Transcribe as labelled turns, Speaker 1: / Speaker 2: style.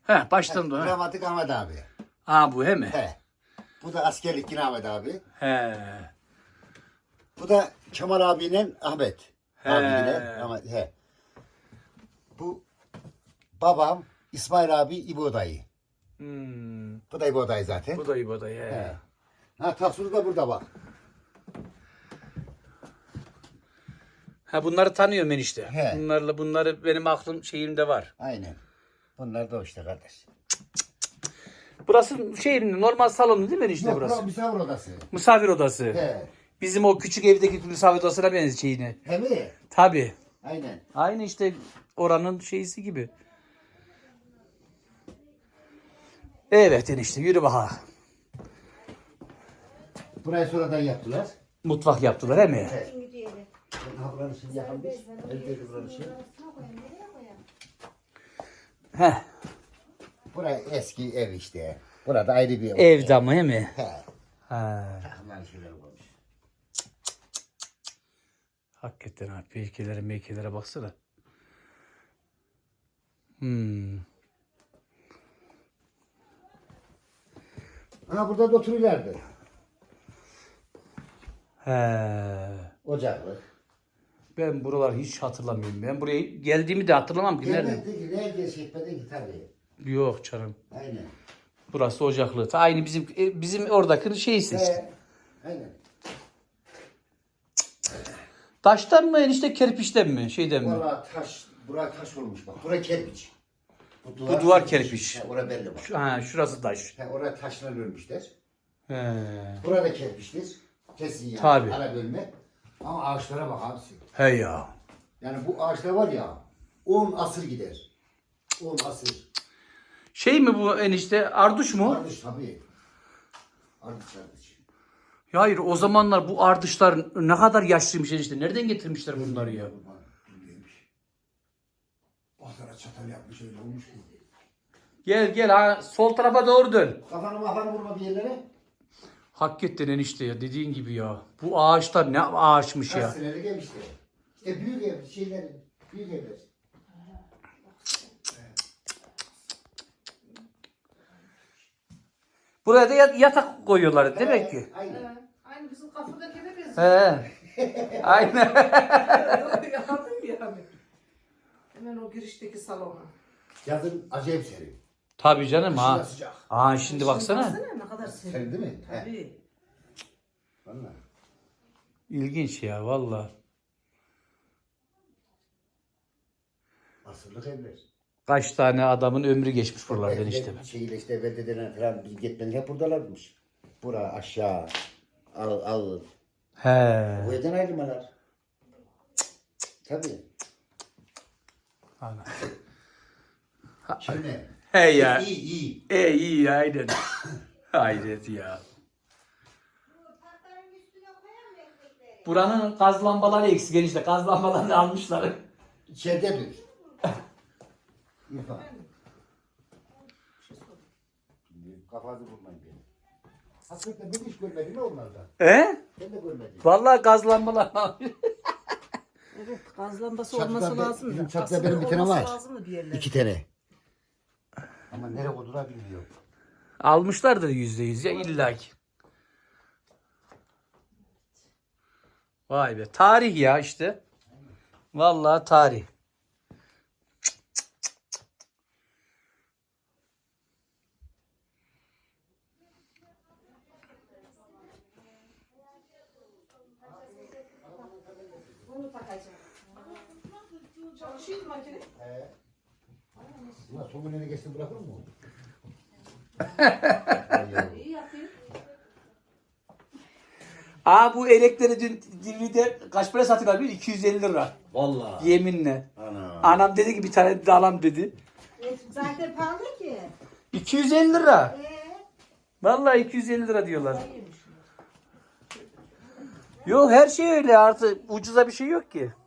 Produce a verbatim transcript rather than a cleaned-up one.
Speaker 1: He baştan da.
Speaker 2: Dramatik Ahmet abi.
Speaker 1: Ha bu he mi?
Speaker 2: He. Bu da askerlik yine Ahmet abi.
Speaker 1: He.
Speaker 2: Bu da Kemal abiyle Ahmet.
Speaker 1: He.
Speaker 2: Abiyle Ahmet. He. Bu babam İsmail abi İbo dayı.
Speaker 1: Hmm.
Speaker 2: Bu da İbo dayı zaten.
Speaker 1: Bu da iyi bu da iyi. He.
Speaker 2: He. Ha tasvuru da burada bak.
Speaker 1: Ha bunları tanıyorum enişte.
Speaker 2: He.
Speaker 1: Bunlarla bunları benim aklım şeyimde var.
Speaker 2: Aynen. Bunlar da o işte kardeş.
Speaker 1: Burası şey normal salonu değil mi enişte
Speaker 2: Yok,
Speaker 1: burası?
Speaker 2: burası misafir odası.
Speaker 1: Misafir odası.
Speaker 2: He.
Speaker 1: Bizim o küçük evdeki misafir odasına benziyor şeyine.
Speaker 2: He mi?
Speaker 1: Tabii.
Speaker 2: Aynen.
Speaker 1: Aynı işte oranın şeysi gibi. Evet enişte yürü bakalım.
Speaker 2: Burayı sonradan yaptılar.
Speaker 1: Mutfak yaptılar he mi?
Speaker 2: He. Ha buranın şimdi yapılmış. Elde buranın şimdi.
Speaker 1: Heh.
Speaker 2: Burası eski ev işte. Burada ayrı bir ev.
Speaker 1: Ev damı he mi?
Speaker 2: He.
Speaker 1: Ha.
Speaker 2: Takımlar şeyler koymuş.
Speaker 1: Hakikaten abi peykelere meykelere baksana. Hmm.
Speaker 2: Ha burada da oturuyorlardı.
Speaker 1: He.
Speaker 2: Ocaklı.
Speaker 1: Ben buraları hiç hatırlamıyorum. Ben buraya geldiğimi de hatırlamam ki. Nerede?
Speaker 2: Gelmedi ki, ne geçmedi ki tabii.
Speaker 1: Yok canım.
Speaker 2: Aynen.
Speaker 1: Burası ocaklı. Ta aynı bizim e, bizim oradaki şeysi işte.
Speaker 2: He. Aynen.
Speaker 1: Taştan mı enişte kerpiçten mi? Şeyden mi?
Speaker 2: Valla taş, bura taş olmuş bak. Bura kerpiç. Bu
Speaker 1: Bu duvar kerpiç.
Speaker 2: He, orada belli bak.
Speaker 1: Şu- Ha, şurası taş.
Speaker 2: He, orada taşla örmüşler.
Speaker 1: He.
Speaker 2: Burada kerpiçtir. Kesin yani.
Speaker 1: Tabii.
Speaker 2: Ara bölme. Ama ağaçlara bak abisi.
Speaker 1: He ya.
Speaker 2: Yani bu ağaçlar var ya on asır gider. on asır.
Speaker 1: Şey mi bu enişte? Arduç mu?
Speaker 2: Ardıç tabii. Ardıç ardıç.
Speaker 1: Ya hayır o zamanlar bu ardışlar ne kadar yaşlıymış enişte. Nereden getirmişler bunları ya?
Speaker 2: Bilmiyormuş. Bahtara çatal yapmış öyle olmuş mu?
Speaker 1: Gel gel ha sol tarafa doğru dön.
Speaker 2: Kafanı mafanı vurma bir yerlere.
Speaker 1: Hakikaten enişte ya dediğin gibi ya. Bu ağaçlar ne ağaçmış
Speaker 2: Kaç
Speaker 1: ya.
Speaker 2: senelik ev işte. İşte büyük ev şeyler. Büyük evler.
Speaker 1: Buraya da ya- yatak koyuyorlar demek ki.
Speaker 2: Aynen.
Speaker 3: Aynı bizim kafadakine benziyor.
Speaker 1: He. Aynen.
Speaker 3: Yakaladım yani. Hemen o girişteki salona.
Speaker 2: Yazın acayip serin.
Speaker 1: Tabii canım
Speaker 2: Kışın da
Speaker 1: ha.
Speaker 2: sıcak.
Speaker 1: Aa şimdi baksana.
Speaker 3: Ne kadar serin.
Speaker 2: Serin değil mi? He.
Speaker 3: Tabii.
Speaker 2: Vallahi.
Speaker 1: İlginç ya valla.
Speaker 2: Asırlık evler.
Speaker 1: Kaç tane adamın ömrü geçmiş buralardan
Speaker 2: Evde
Speaker 1: işte.
Speaker 2: Şeyle işte beldedeler falan biz gitmeden hep buradalarmış. Bura aşağı. Al al.
Speaker 1: He.
Speaker 2: Bu evden ayrılmalar. Tabii.
Speaker 1: Ana.
Speaker 2: Şimdi.
Speaker 1: He ya.
Speaker 2: İyi iyi.
Speaker 1: E iyi aynen. Hayret ya. Buranın gaz lambaları eksik enişte. Gaz lambalarını almışlar.
Speaker 2: İçeride dur. İrfan. Kafanı vurmayın beni. Hakikaten ben hiç görmedim ya onlardan.
Speaker 1: He?
Speaker 2: Ben de görmedim.
Speaker 1: Vallahi gaz lambalarını almış.
Speaker 3: Evet, gaz lambası
Speaker 2: Çatıda
Speaker 3: olması
Speaker 2: be-
Speaker 3: lazım
Speaker 2: bizim
Speaker 3: da.
Speaker 2: çatıda
Speaker 3: Aslında
Speaker 2: benim bir tane
Speaker 3: olması
Speaker 2: var.
Speaker 3: lazım mı bir yerlerde?
Speaker 2: İki tane. Ama nereye koydular bilmiyorum.
Speaker 1: Almışlardır yüzde yüz ya illaki. Vay be. Tarih ya işte. Vallahi tarih.
Speaker 3: Bunu takacağım. Çalışıyor mu makine?
Speaker 2: Ulan son günlerine geçti bırakır mı?
Speaker 3: İyi yapayım.
Speaker 1: Aa bu elekleri dün D V D kaç para satıyorlar biliyor musun? iki yüz elli lira.
Speaker 2: Vallahi.
Speaker 1: Yeminle.
Speaker 2: Ana.
Speaker 1: Anam dedi ki bir tane de alam dedi.
Speaker 4: E, zaten pahalı ki.
Speaker 1: iki yüz elli lira.
Speaker 4: Ee,
Speaker 1: Vallahi iki yüz elli lira diyorlar. Yok her şey öyle artık ucuza bir şey yok ki.